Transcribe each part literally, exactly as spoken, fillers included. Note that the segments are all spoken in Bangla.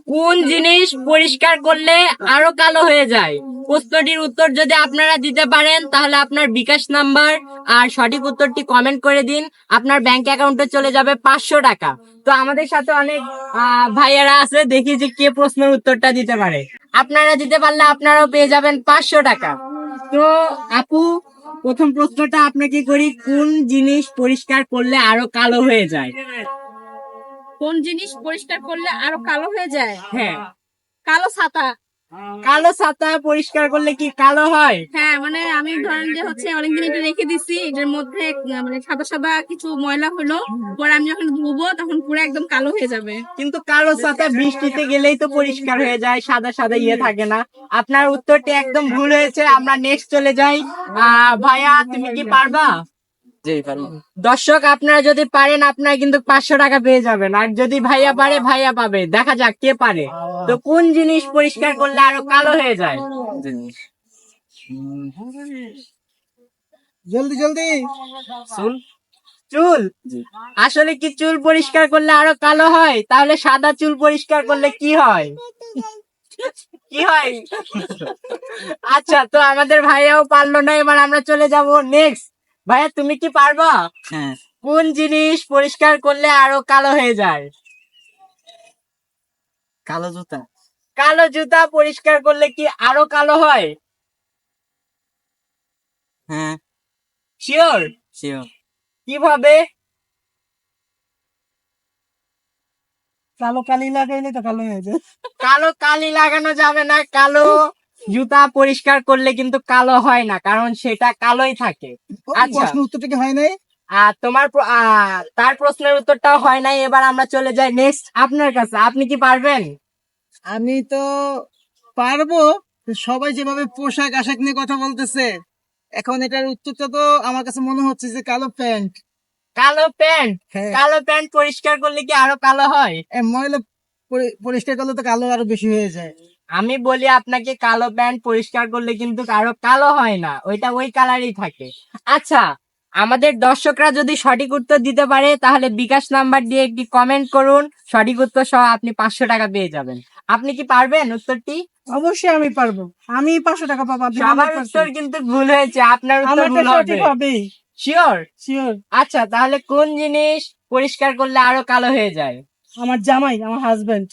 কোন জিনিস পরিষ্কার করলে আরো কালো হয়ে যায়? প্রশ্নটির উত্তর যদি আপনারা দিতে পারেন তাহলে আপনার বিকাশ নাম্বার আর সঠিক উত্তরটি কমেন্ট করে দিন। আপনার ব্যাংক অ্যাকাউন্টে চলে যাবে পাঁচশো টাকা। তো আমাদের সাথে অনেক আহ, ভাইয়েরা আছে, দেখি যে কে প্রশ্নের উত্তরটা দিতে পারে। আপনারা দিতে পারলে আপনারাও পেয়ে যাবেন পাঁচশো টাকা। তো আপু, প্রথম প্রশ্নটা আপনাকে করি, কোন জিনিস পরিষ্কার করলে আরো কালো হয়ে যায়? কোন জিনিস পরিষ্কার করলে আরো কালো হয়ে যায়? হ্যাঁ। কালো ছাতা। কালো ছাতা পরিষ্কার করলে কি কালো হয়? হ্যাঁ, মানে আমি ধরেন যে হচ্ছে অনেকদিন এটা রেখে দিছি, এটার মধ্যে আহ, মানে সাদা সাদা কিছু ময়লা হলো, পরে আমি যখন ধুবো তখন পুরো একদম কালো হয়ে যাবে। কিন্তু কালো ছাতা বৃষ্টিতে গেলেই তো পরিষ্কার হয়ে যায়, সাদা সাদা ইয়ে থাকে না। আপনার উত্তরটি একদম ভুল হয়েছে। আমরা নেক্সট চলে যাই। আহ ভাইয়া, তুমি কি পারবা? দর্শক, আপনারা যদি পারেন আপনারা কিন্তু পাঁচশো টাকা পেয়ে যাবেন, আর যদি ভাইয়া পারে ভাইয়া পাবে। দেখা যাক কে পারে। তো কোন জিনিস পরিষ্কার করলে আরো কালো হয়ে যায়? জলদি জলদি। চুল। চুল? আসলে কি চুল পরিষ্কার করলে আরো কালো হয়? তাহলে সাদা চুল পরিষ্কার করলে কি হয়? কি হয়? আচ্ছা, তো আমাদের ভাইয়াও পারলো না। এবার আমরা চলে যাব নেক্সট। ভাইয়া, তুমি কি পারবা? হ্যাঁ। কোন জিনিস পরিষ্কার করলে আরো কালো হয়ে যায়? কালো জুতা। কালো জুতা পরিষ্কার করলে কি আরো কালো হয়? হ্যাঁ, শিওর? শিওর। কিভাবে? কালো কালি লাগাইলে তো কালো হয়ে যায়। কালো কালি লাগানো যাবে না। কালো জুতা পরিষ্কার করলে কিন্তু কালো হয় না, কারণ সেটা কালোই থাকে। আচ্ছা, প্রশ্ন উত্তরটা কি হয় নাই? আর তোমার প্র- আহ, তার প্রশ্নের উত্তরটাও হয় নাই। এবার আমরা চলে যাই নেক্সট আপনার কাছে। আপনি কি পারবেন? আমি তো পারবো। সবাই যেভাবে পোশাক আশাক নিয়ে কথা বলতেছে, এখন এটার উত্তরটা তো আমার কাছে মনে হচ্ছে যে কালো প্যান্ট। কালো প্যান্ট? হ্যাঁ। কালো প্যান্ট পরিষ্কার করলে কি আরো কালো হয়? এ, ময়লা পরি- পরিষ্কার করলে তো কালো আরো বেশি হয়ে যায়। আমি বলি আপনাকে, কালো প্যান্ট পরিষ্কার করলে কিন্তু আরো কালো হয় না, ওইটা ওই কালারই থাকে। আচ্ছা, আমাদের দর্শকরা যদি সঠিক উত্তর দিতে পারে তাহলে বিকাশ নাম্বার দিয়ে একটি কমেন্ট করুন। সঠিক উত্তর সহ আপনি পাঁচশো টাকা পেয়ে যাবেন। আপনি কি পারবেন উত্তরটি? অবশ্যই আমি পারবো। আমি পাঁচশো টাকা পাবো। সবার উত্তর কিন্তু ভুল হয়েছে, আপনার উত্তর ভুল হবে। হবেই। শিওর? শিওর। আচ্ছা, তাহলে কোন জিনিস পরিষ্কার করলে আরো কালো হয়ে যায়? আমার জামাই, আমার হাজবেন্ড।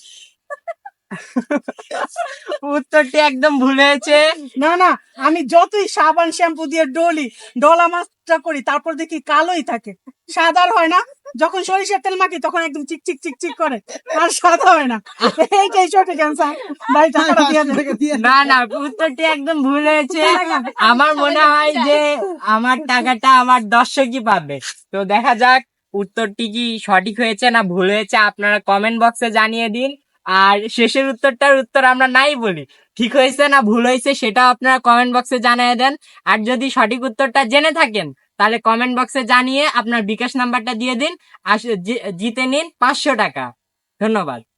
উত্তরটি একদম ভুল হয়েছে। না না, আমি যতই সাবান শ্যাম্পু দিয়ে ডলি ডলা মাছটা করি, তারপর দেখি কালোই থাকে, সাদা আর হয় না। যখন সরিষার তেল মাখি তখন একদম চিক চিক চিক চিক করে, আর সাদা হয় না। এইটাই সঠিক অ্যান্সার। ভাই টাকাটা দিয়ে দেন। না না, উত্তরটি একদম ভুল হয়েছে। আমার মনে হয় যে আমার টাকাটা আমার দর্শকই পাবে। তো দেখা যাক উত্তরটি কি সঠিক হয়েছে না ভুল হয়েছে, আপনারা কমেন্ট বক্সে জানিয়ে দিন। আর শেষের উত্তরটার উত্তর আমরা নাই বলি, ঠিক হয়েছে না ভুল হয়েছে সেটাও আপনারা কমেন্ট বক্সে জানিয়ে দেন। আর যদি সঠিক উত্তরটা জেনে থাকেন তাহলে কমেন্ট বক্সে জানিয়ে আপনার বিকাশ নাম্বারটা দিয়ে দিন, আর জি- জিতে নিন পাঁচশো টাকা। ধন্যবাদ।